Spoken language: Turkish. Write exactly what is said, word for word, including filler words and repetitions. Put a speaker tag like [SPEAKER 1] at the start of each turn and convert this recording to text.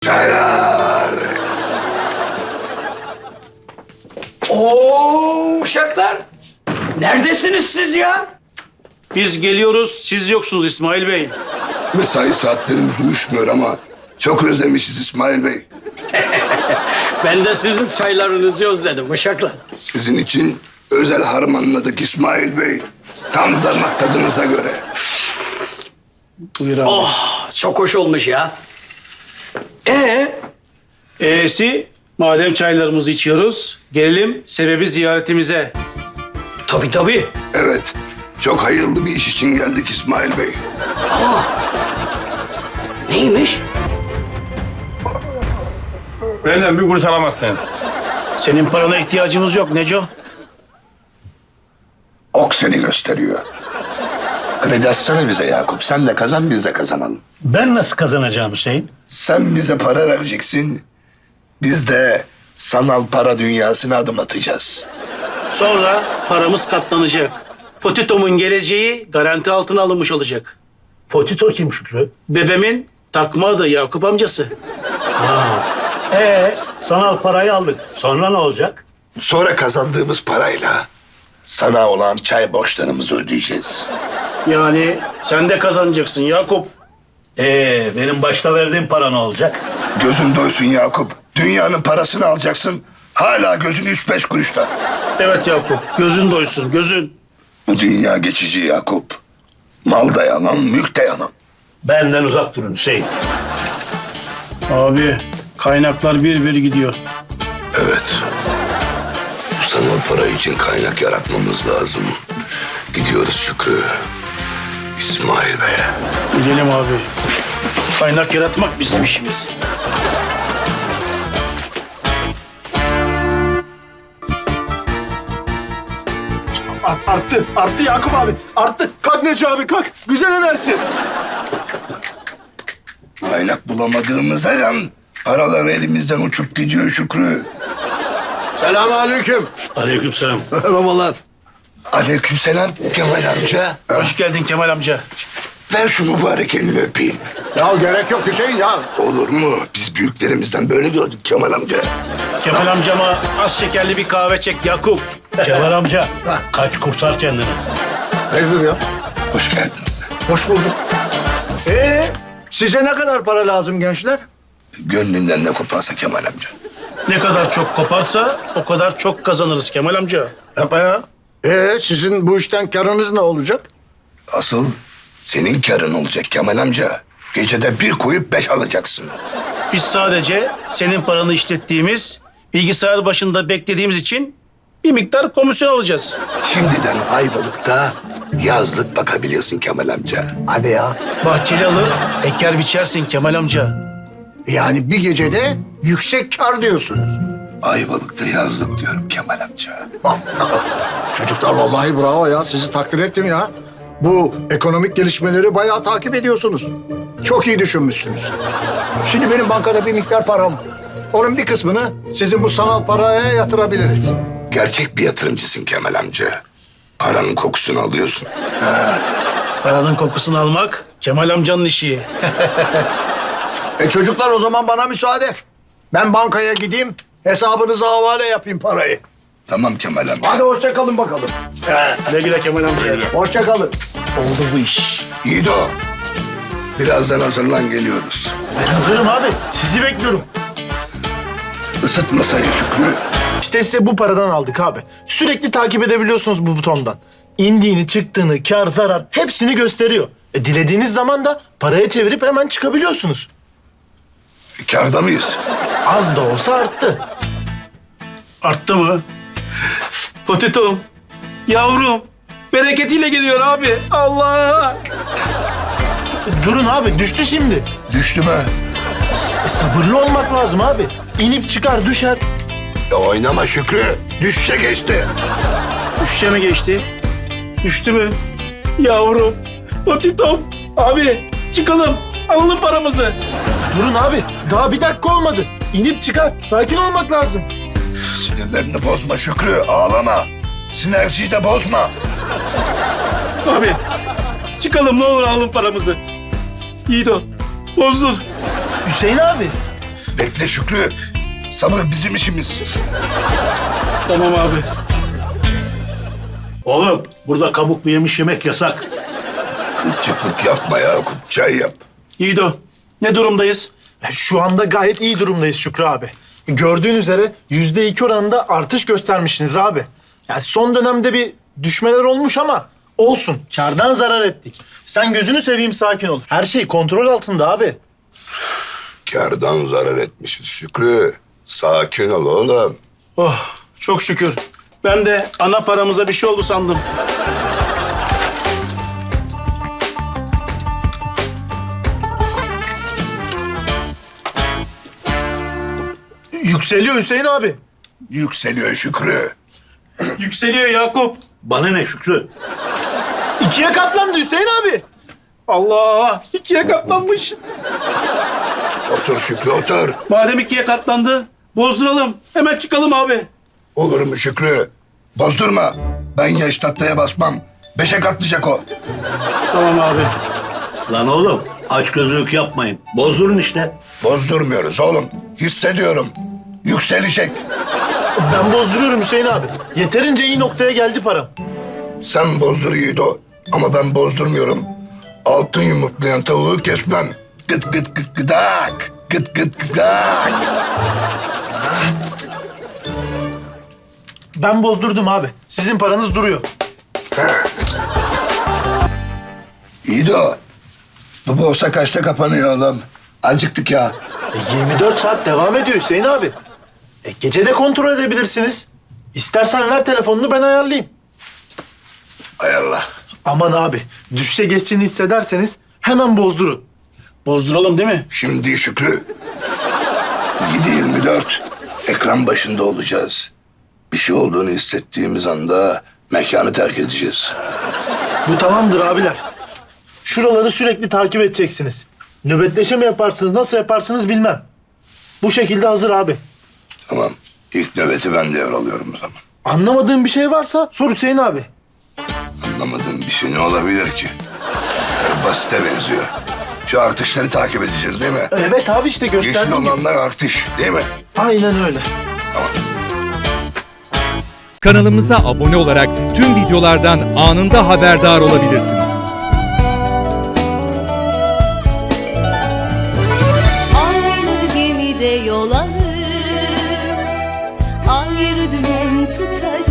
[SPEAKER 1] Çaylar.
[SPEAKER 2] Oo uşaklar. Neredesiniz siz ya?
[SPEAKER 3] Biz geliyoruz, siz yoksunuz İsmail Bey.
[SPEAKER 1] Mesai saatlerimiz uyuşmuyor ama çok özlemişiz İsmail Bey.
[SPEAKER 2] Ben de sizin çaylarınızı özledim uşaklar.
[SPEAKER 1] Sizin için özel harmanladık İsmail Bey. Tam damak tadınıza göre.
[SPEAKER 3] Buyur abi.
[SPEAKER 2] Oh çok hoş olmuş ya. Ee,
[SPEAKER 3] E'si, madem çaylarımızı içiyoruz, gelelim sebebi ziyaretimize.
[SPEAKER 2] tabii tabii.
[SPEAKER 1] Evet, çok hayırlı bir iş için geldik İsmail Bey.
[SPEAKER 2] Neymiş?
[SPEAKER 4] Benden bir kuruş alamazsın.
[SPEAKER 3] Senin parana ihtiyacımız yok Neco.
[SPEAKER 1] Ok seni gösteriyor. Kredi açsana bize Yakup. Sen de kazan, biz de kazanalım.
[SPEAKER 5] Ben nasıl kazanacağım Hüseyin?
[SPEAKER 1] Sen bize para vereceksin. Biz de sanal para dünyasına adım atacağız.
[SPEAKER 3] Sonra paramız katlanacak. Potito'mun geleceği garanti altına alınmış olacak.
[SPEAKER 5] Potito kim Şükrü?
[SPEAKER 3] Bebemin takma adı Yakup amcası.
[SPEAKER 5] Ee, sanal parayı aldık. Sonra ne olacak?
[SPEAKER 1] Sonra kazandığımız parayla sana olan çay borçlarımızı ödeyeceğiz.
[SPEAKER 3] Yani sen de kazanacaksın Yakup.
[SPEAKER 5] Ee, benim başta verdiğim para ne olacak?
[SPEAKER 1] Gözün doysun Yakup. Dünyanın parasını alacaksın. Hala gözün üç beş kuruşta.
[SPEAKER 3] Evet Yakup, gözün doysun, gözün.
[SPEAKER 1] Bu dünya geçici Yakup. Mal da yalan, mülk de yalan.
[SPEAKER 5] Benden uzak durun Hüseyin.
[SPEAKER 3] Abi, kaynaklar bir bir gidiyor.
[SPEAKER 1] Evet. Bu sanal para için kaynak yaratmamız lazım. Gidiyoruz Şükrü. İsmail Bey'e.
[SPEAKER 3] Gidelim abi. Kaynak yaratmak bizim işimiz.
[SPEAKER 6] Arttı, arttı Yakup abi. Arttı. Kalk Neco abi kalk. Güzel enerji.
[SPEAKER 1] Kaynak bulamadığımıza yan paralar elimizden uçup gidiyor Şükrü.
[SPEAKER 6] Selamünaleyküm.
[SPEAKER 5] Aleykümselam.
[SPEAKER 6] Merhabalar.
[SPEAKER 1] Aleykümselam Kemal amca.
[SPEAKER 3] Hoş geldin Kemal amca.
[SPEAKER 1] Ver şu mübarek elini öpeyim.
[SPEAKER 6] Ya gerek yok Hüseyin ya.
[SPEAKER 1] Olur mu? Biz büyüklerimizden böyle gördük Kemal amca.
[SPEAKER 3] Kemal amcama az şekerli bir kahve çek Yakup.
[SPEAKER 5] Kemal amca, kaç kurtar kendini.
[SPEAKER 6] Hayırdır ya?
[SPEAKER 1] Hoş geldin.
[SPEAKER 6] Hoş bulduk. Ee, size ne kadar para lazım gençler?
[SPEAKER 1] Gönlünden ne koparsa Kemal amca.
[SPEAKER 3] Ne kadar çok koparsa o kadar çok kazanırız Kemal amca.
[SPEAKER 6] Yapma ya. Ee, sizin bu işten karınız ne olacak?
[SPEAKER 1] Asıl senin karın olacak Kemal amca. Gecede bir koyup beş alacaksın.
[SPEAKER 3] Biz sadece senin paranı işlettiğimiz, bilgisayar başında beklediğimiz için bir miktar komisyon alacağız.
[SPEAKER 1] Şimdiden Ayvalık'ta yazlık bakabilirsin Kemal amca.
[SPEAKER 6] Hadi ya.
[SPEAKER 3] Bahçeli alır, eker biçersin Kemal amca.
[SPEAKER 6] Yani bir gecede yüksek kar diyorsunuz.
[SPEAKER 1] Ayvalık'ta yazlık diyorum Kemal amca.
[SPEAKER 6] Çocuklar vallahi bravo ya. Sizi takdir ettim ya. Bu ekonomik gelişmeleri bayağı takip ediyorsunuz. Çok iyi düşünmüşsünüz. Şimdi benim bankada bir miktar param var. Onun bir kısmını sizin bu sanal paraya yatırabiliriz.
[SPEAKER 1] Gerçek bir yatırımcısın Kemal amca. Paranın kokusunu alıyorsun.
[SPEAKER 3] Paranın kokusunu almak Kemal amcanın işi.
[SPEAKER 6] E çocuklar o zaman bana müsaade. Ben bankaya gideyim, hesabınıza havale yapayım parayı.
[SPEAKER 1] Tamam Kemal amca.
[SPEAKER 6] Hadi hoşça kalın bakalım.
[SPEAKER 3] Güle güle Kemal amca.
[SPEAKER 6] Hoşça kalın.
[SPEAKER 3] Oldu bu iş.
[SPEAKER 1] Yiğido. Birazdan hazırlan geliyoruz.
[SPEAKER 5] Ben hazırım abi. Sizi bekliyorum.
[SPEAKER 1] Isıt masayı Şükrü.
[SPEAKER 7] İşte size bu paradan aldık abi. Sürekli takip edebiliyorsunuz bu butondan. İndiğini, çıktığını, kar, zarar hepsini gösteriyor. E, dilediğiniz zaman da paraya çevirip hemen çıkabiliyorsunuz.
[SPEAKER 1] Kârda mıyız?
[SPEAKER 7] Az da olsa arttı.
[SPEAKER 3] Arttı mı? Potitom, yavrum, bereketiyle geliyor abi. Allah!
[SPEAKER 7] E, durun abi düştü şimdi.
[SPEAKER 1] Düştü mü?
[SPEAKER 7] E, sabırlı olmak lazım abi. İnip çıkar düşer.
[SPEAKER 1] Ya oynama Şükrü. Düşse geçti.
[SPEAKER 3] Düşüşe mi geçti? Düştü mü? Yavrum, potitom, abi çıkalım, alalım paramızı.
[SPEAKER 7] Durun abi daha bir dakika olmadı. İnip çıkar. Sakin olmak lazım.
[SPEAKER 1] Sinirlerini bozma Şükrü. Ağlama. Sinerjiyi de bozma.
[SPEAKER 3] Abi, çıkalım ne olur alalım paramızı. Yiğido, bozdun.
[SPEAKER 7] Hüseyin abi
[SPEAKER 1] Bekle Şükrü. Sabır bizim işimiz.
[SPEAKER 2] Tamam abi.
[SPEAKER 5] Oğlum burada kabuklu yemiş yemek yasak.
[SPEAKER 1] Kılçıklık yapma Yakup. Çay yap.
[SPEAKER 3] Yiğido, ne durumdayız?
[SPEAKER 7] E, Şu anda gayet iyi durumdayız Şükrü abi. Gördüğün üzere yüzde iki oranında artış göstermişsiniz abi. Yani son dönemde bir düşmeler olmuş ama olsun. Kardan zarar ettik. Sen gözünü seveyim sakin ol. Her şey kontrol altında abi.
[SPEAKER 1] Kârdan zarar etmişiz Şükrü. Sakin ol oğlum.
[SPEAKER 3] Oh, çok şükür. Ben de ana paramıza bir şey oldu sandım.
[SPEAKER 7] Yükseliyor Hüseyin abi.
[SPEAKER 1] Yükseliyor Şükrü.
[SPEAKER 3] Yükseliyor Yakup.
[SPEAKER 5] Bana ne Şükrü?
[SPEAKER 7] İkiye katlandı Hüseyin abi.
[SPEAKER 3] Allah, ikiye katlanmış.
[SPEAKER 1] Otur Şükrü otur.
[SPEAKER 3] Madem ikiye katlandı, bozduralım. Hemen çıkalım abi.
[SPEAKER 1] Olur mu Şükrü? Bozdurma. Ben yaş tahtaya basmam. Beşe katlayacak o.
[SPEAKER 3] Tamam abi.
[SPEAKER 5] Lan oğlum açgözlülük yapmayın. Bozdurun işte.
[SPEAKER 1] Bozdurmuyoruz oğlum. Hissediyorum. Yükselecek.
[SPEAKER 7] Ben bozduruyorum Hüseyin abi. Yeterince iyi noktaya geldi param.
[SPEAKER 1] Sen bozdur Yiğido. Ama ben bozdurmuyorum. Altın yumurtlayan tavuğu kesmem. Gıt gıt gıt gıdak. Gıt gıt gıdak.
[SPEAKER 7] Ben bozdurdum abi. Sizin paranız duruyor.
[SPEAKER 1] Yiğido. Bu borsa kaçta kapanıyor oğlum? Acıktık ya.
[SPEAKER 7] E, yirmi dört saat devam ediyor Hüseyin abi. E, gece de kontrol edebilirsiniz. İstersen ver telefonunu ben ayarlayayım.
[SPEAKER 1] Hay Allah.
[SPEAKER 7] Aman abi düşse geçtiğini hissederseniz hemen bozdurun.
[SPEAKER 3] Bozduralım değil mi?
[SPEAKER 1] Şimdi Şükrü. yedi yirmi dört ekran başında olacağız. Bir şey olduğunu hissettiğimiz anda mekanı terk edeceğiz.
[SPEAKER 7] Bu tamamdır abiler. Şuraları sürekli takip edeceksiniz. Nöbetleşe mi yaparsınız, nasıl yaparsınız bilmem. Bu şekilde hazır abi.
[SPEAKER 1] Tamam. İlk nöbeti ben devralıyorum o zaman.
[SPEAKER 7] Anlamadığın bir şey varsa sor Hüseyin abi.
[SPEAKER 1] Anlamadığım bir şey ne olabilir ki? Ee, basite benziyor. Şu artışları takip edeceğiz değil mi?
[SPEAKER 7] Evet abi işte
[SPEAKER 1] Yeşil
[SPEAKER 7] gösterdiğim gibi.
[SPEAKER 1] olanlar artış değil mi?
[SPEAKER 7] Aynen öyle.
[SPEAKER 1] Tamam.
[SPEAKER 8] Kanalımıza abone olarak tüm videolardan anında haberdar olabilirsiniz.
[SPEAKER 9] Aynı gemide yol alır, ayrı dümen tutarız.